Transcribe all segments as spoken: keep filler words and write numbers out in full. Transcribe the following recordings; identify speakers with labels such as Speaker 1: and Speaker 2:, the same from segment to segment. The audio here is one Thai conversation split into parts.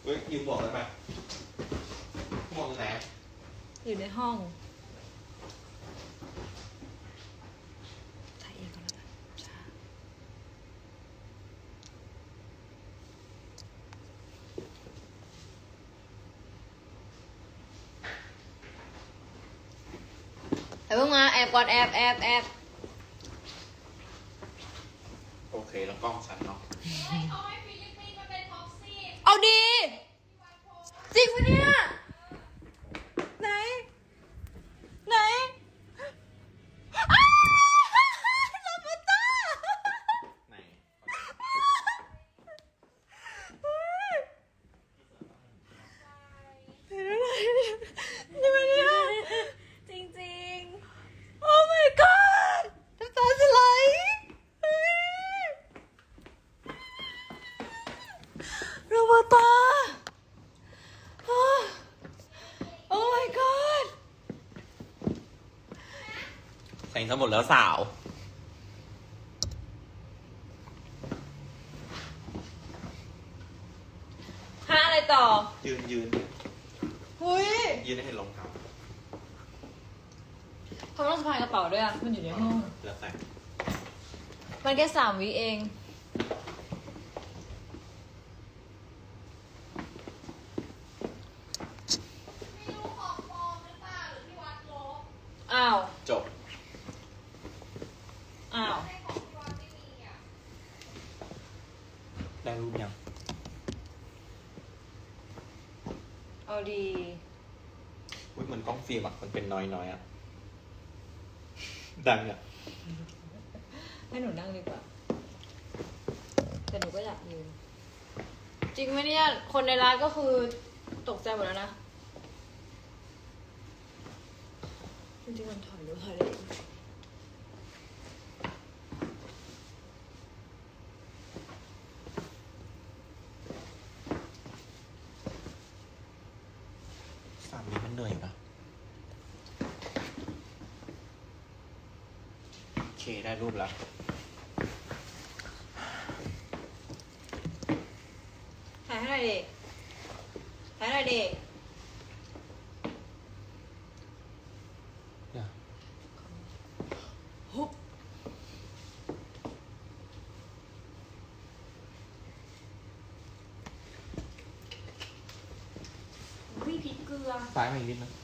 Speaker 1: เฮ้ยยืมบอกได้ไหมบอกตรงไหน
Speaker 2: อยู่ในห้องถ่ายเองก่อนแล้วกันช้าไอ้พวกมาแอบก่อนแอบแอบแอบ
Speaker 1: โอเคแล้วกล้องฉันเนาะ
Speaker 2: เอาดีจริงปะเนี่ยไหนไหนอ้าวลาบูต้า
Speaker 1: ไหน
Speaker 2: เห็นอะไรนี่มันเนี่ยจริงจริงโอ้ my god น้ำตาจะไหลลาบูต้าโอ้ my god
Speaker 1: ใส่ทั้งหมดแล้วสาว
Speaker 2: หาอะไรต่อ
Speaker 1: ยืนยืน
Speaker 2: หุย
Speaker 1: ยืนให้เห็นรองเท้า
Speaker 2: ทำไมต้องสะพายกระเป๋าด้วยอ่ะมันอยู่ในห้อง
Speaker 1: แล้วแต่
Speaker 2: มันแค่สามวิเองอ้าว
Speaker 1: จบ
Speaker 2: อ้าว
Speaker 1: ได้รูปยัง
Speaker 2: เอาดี
Speaker 1: อุ้ยเหมือนกล้องฟิล์มอะมันเป็นน้อยน้อยอะดังอะ
Speaker 2: ให้หนูนั่งดีกว่าแต่หนูก็อยากยืนจริงไหมเนี่ยคนในร้านก็คือตกใจหมดแล้วนะจริงๆมันถอยหรือถอยได้อีก
Speaker 1: สามนี้มันเหนื่อยปะโอเคได้รูปแล้ว
Speaker 2: ถ่ายให้หน่อยดิถ่ายให้หน่อยดิ
Speaker 1: เนี่ย
Speaker 2: ฮุบวิพริกเกลือ
Speaker 1: ซ้ายมาอีกนิดนึง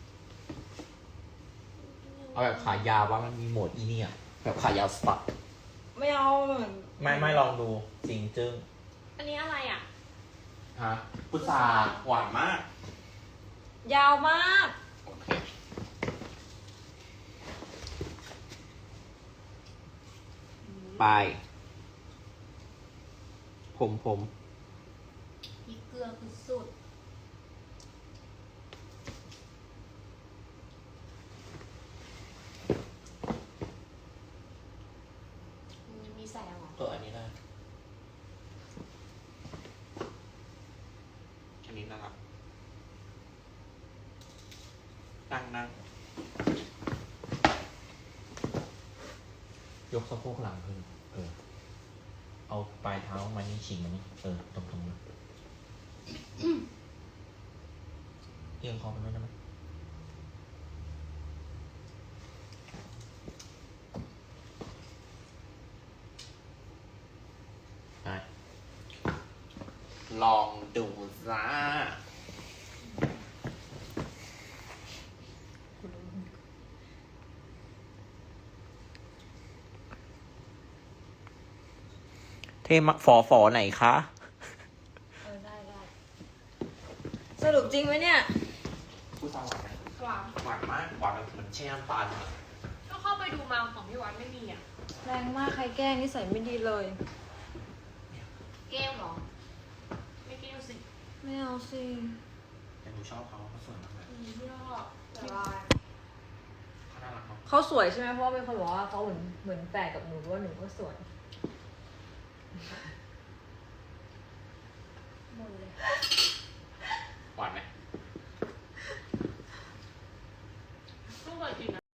Speaker 1: เอาแบบขายาวว่ามันมีโหมดอีนี่อะแบบขายาวสปัด
Speaker 2: ไม่เอาเหมือน
Speaker 1: ไม่ไม่ลองดูจริงจึ้ง
Speaker 2: อันนี้อะไรอ่ะ
Speaker 1: ฮะพุทราหวานมาก
Speaker 2: ยาวมาก
Speaker 1: ไปผมผม
Speaker 2: พริกเกลือคือสุดมีใส่หรอ
Speaker 1: เอออันนี้ได้อันนี้นะครับนั่งนั่งยกสะโพกหลังขึ้นเออเอาปลายเท้ามานี่ชิงมานี่เออตรงตรงนี้เอียงคอไปด้วยได้ไหมได้ลองดูซ่าเทมฝอฝอไหนคะ
Speaker 2: เออได้ได้สรุปจริงไหมเนี่ย
Speaker 1: ผู้สาวหวานไหมหวานหวานมากหวานแบบเหมือนแช่น้ำตาล
Speaker 3: ก็เข้าไปดูมาของพี่วัดไม่มีอ่ะ
Speaker 2: แรงมากใครแกล้งนิสัยไม่ดีเลย
Speaker 3: แก้วเหรอไม่แก้วสิ
Speaker 2: ไม่เอาสิ
Speaker 1: แต่หนูชอบเขาเขาสวยมากเลย
Speaker 3: พี่ชอบแต่ว่า
Speaker 1: เขาน่ารักเนาะ
Speaker 2: เขาสวยใช่ไหมเพราะว่าเป็นคนบอกว่าเขาเหมือนเหมือนแฝดกับหนูว่าหนูก็สวย
Speaker 3: หมดเลย
Speaker 1: หวานไหม